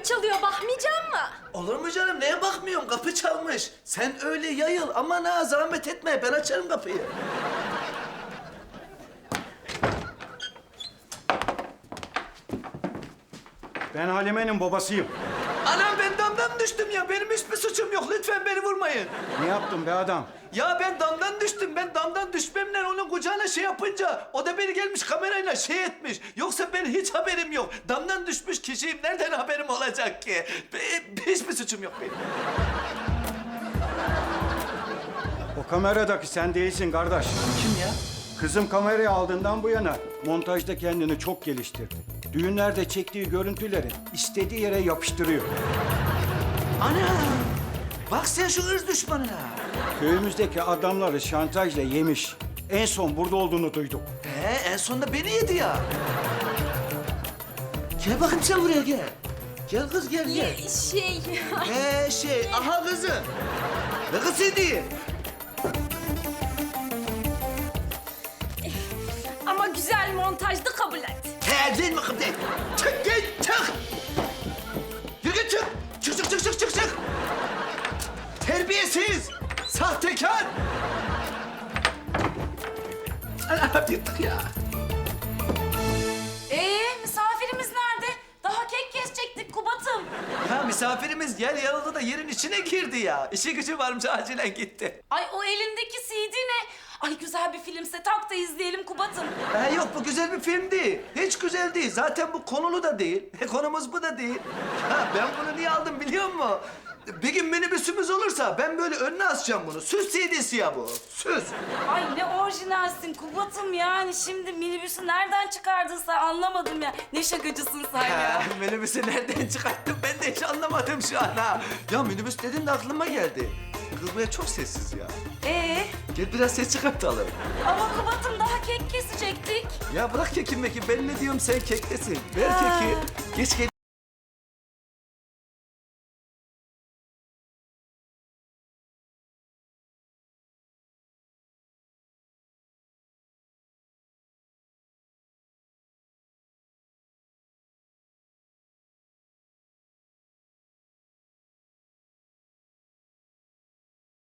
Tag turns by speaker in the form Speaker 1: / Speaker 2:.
Speaker 1: çalıyor, bakmayacak mı?
Speaker 2: Olur mu canım? Neye bakmıyorum? Kapı çalmış. Sen öyle yayıl. Aman ha, zahmet etme. Ben açarım kapıyı.
Speaker 3: Ben Halime'nin babasıyım.
Speaker 2: Anam, ben damdan düştüm ya. Benim hiçbir suçum yok. Lütfen beni vurmayın.
Speaker 3: Ne yaptın be adam?
Speaker 2: Ya ben damdan düştüm. Ben damdan düşmemle onun kucağına şey yapınca o da beni gelmiş kamerayla şey etmiş. Yoksa ben hiç haberim yok. Damdan düşmüş kişiyim. Nereden haberim olacak ki? Hiçbir suçum yok benim.
Speaker 3: O kameradaki sen değilsin kardeş.
Speaker 2: Kim ya?
Speaker 3: Kızım kamerayı aldığından bu yana montajda kendini çok geliştirdi. Düğünlerde çektiği görüntüleri istediği yere yapıştırıyor.
Speaker 2: Ana! Bak sen şu ırz düşmanına.
Speaker 3: Köyümüzdeki adamları şantajla yemiş. En son burada olduğunu duyduk.
Speaker 2: En sonunda beni yedi ya. Gel bakayım sen buraya gel. Gel kız gel gel. Aha kızı. Ne kızı değil?
Speaker 1: Ama güzel montajdı, kabul et.
Speaker 2: Değil mi kız değil? Çık git çık. Yürü git çık. Çık. Terbiyesiz. Sahtekar. Ana bittik ya.
Speaker 1: Misafirimiz nerede? Daha kek kesecektik Kubat'ım.
Speaker 2: Ya misafirimiz yer yarıldı da yerin içine girdi ya. İşi gücü varmış, acilen gitti.
Speaker 1: Ay o elindeki CD ne? Ay güzel bir filmse tak da izleyelim Kubat'ım.
Speaker 2: Yok, bu güzel bir film değil. Hiç güzel değil. Zaten bu konulu da değil. Konumuz bu da değil. Ya ben bunu niye aldım biliyor musun? Bir gün minibüsümüz olursa ben böyle önüne asacağım bunu. Süs CD'si ya bu. Süs.
Speaker 1: Ay ne orijinalsin Kubat'ım yani. Şimdi minibüsü nereden çıkardın sen, anlamadım ya. Ne şakacısın sen ya.
Speaker 2: Minibüsü nereden çıkarttım ben de hiç anlamadım şu an ha. Ya minibüs dedin de aklıma geldi. Kız buraya çok sessiz ya. Gel biraz ses çıkartalım.
Speaker 1: Ama Kubat'ım daha kek kesecektik.
Speaker 2: Ya bırak kekim mekim. Ben ne diyorum sen kektesin. Ver keki. Geç gel.